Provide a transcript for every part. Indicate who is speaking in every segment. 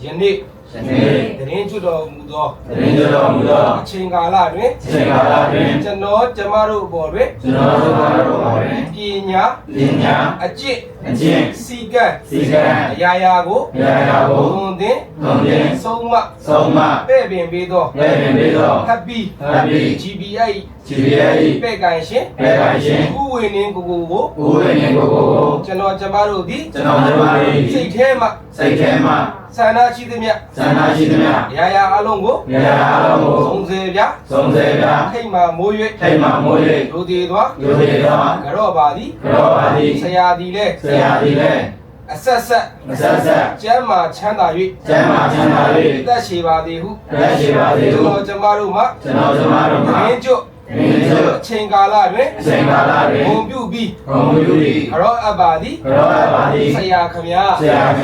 Speaker 1: ယနေ့တရင်ကျွတော်မူသောအချိန်ကာလတွင်ကျွန်တော်ကျမတို့ဘော်တွင်ပညာအကျင့်စီကံအရာရာကိုသွန်သင်ဆုံးမပဲ့ပင်ပေးသောHappy GBI ပဲ့ကန်ရှင်ဥဝေနင်းကိုကိုကျွန်တော်ကျမတို့သည်စိတ်ထဲမှဆန္ဒရှိသမျှရာအလုံးကိုစုံစေပြထိတ်မှမိုး၍ဒုတိသွားကြော့ပါသည်ဆရာသည်လည်းအဆက်ကျမ်းမာချမ်းသာ၍သက်ရှိပါသည်ဟုကျွန်တော်ကျမတို့မှမင်းကျွတ်အချိန်ကာလတွင်ဘုံပြုပြီးကြောအပ်ပါသည်ဆရာခမညာ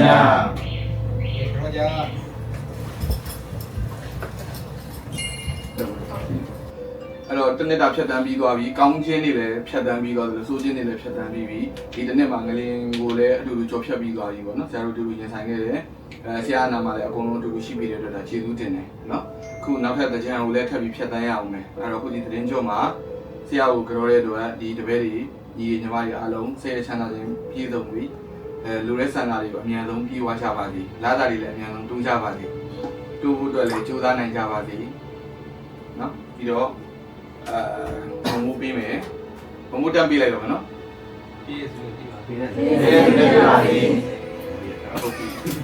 Speaker 1: တော့ကြာ
Speaker 2: အဲ့တော့တနစ်တာဖြတ်တန်းပြီးသွားပြီကောင်းချင်းတွေလည်းဖြတ်တန်းပြီးသွားတယ်ဆိုးချင်းတွေလည်းဖြတ်တန်းပြီးပြီဒီတစ်နှစ်မှာငလင်ကိုလည်းအတူတူကြော်ဖြတ်ပြီးသွားပြီပေါ့နော်ဆရာတို့တူတူရင်ဆိုင်ခဲ့တယ်ဆရာနာမှာလည်းအကုန်လုံးအတူတူရှိပြီးတဲ့အတွက်ဒါကျေးဇူးတင်တယ်နော်ခုနောက်ထပ်တစ်ကြံကိုလည်းထပ်ပြီးဖြတ်တန်းရအောင်မယ်အဲ့တော့ခုဒီသတင်းကြောမှာဆရာကိုကြောတဲ့အတွက်ဒီတပည့်တွေညီညီမတွေအားလုံးဆရာချမ်းသာခြင်းပြည့်စုံပြီးလူရဲဆန္ဒတွေကိုအများဆုံးပြေဝကြပါစေလာတာတွေလည်းအများဆုံးတိုးကြပါစေတိုးဖို့အတွက်လည်းကြိုးစားနိုင်ကြပါစေနော်ပြီးတော့ဘုံမိုးပေးမယ်ဘုံမိုးတက်ပေးလိုက်တော့မယ်နော်
Speaker 1: ပြေးစုပြီးပါ
Speaker 2: ဟုတ်ပြီ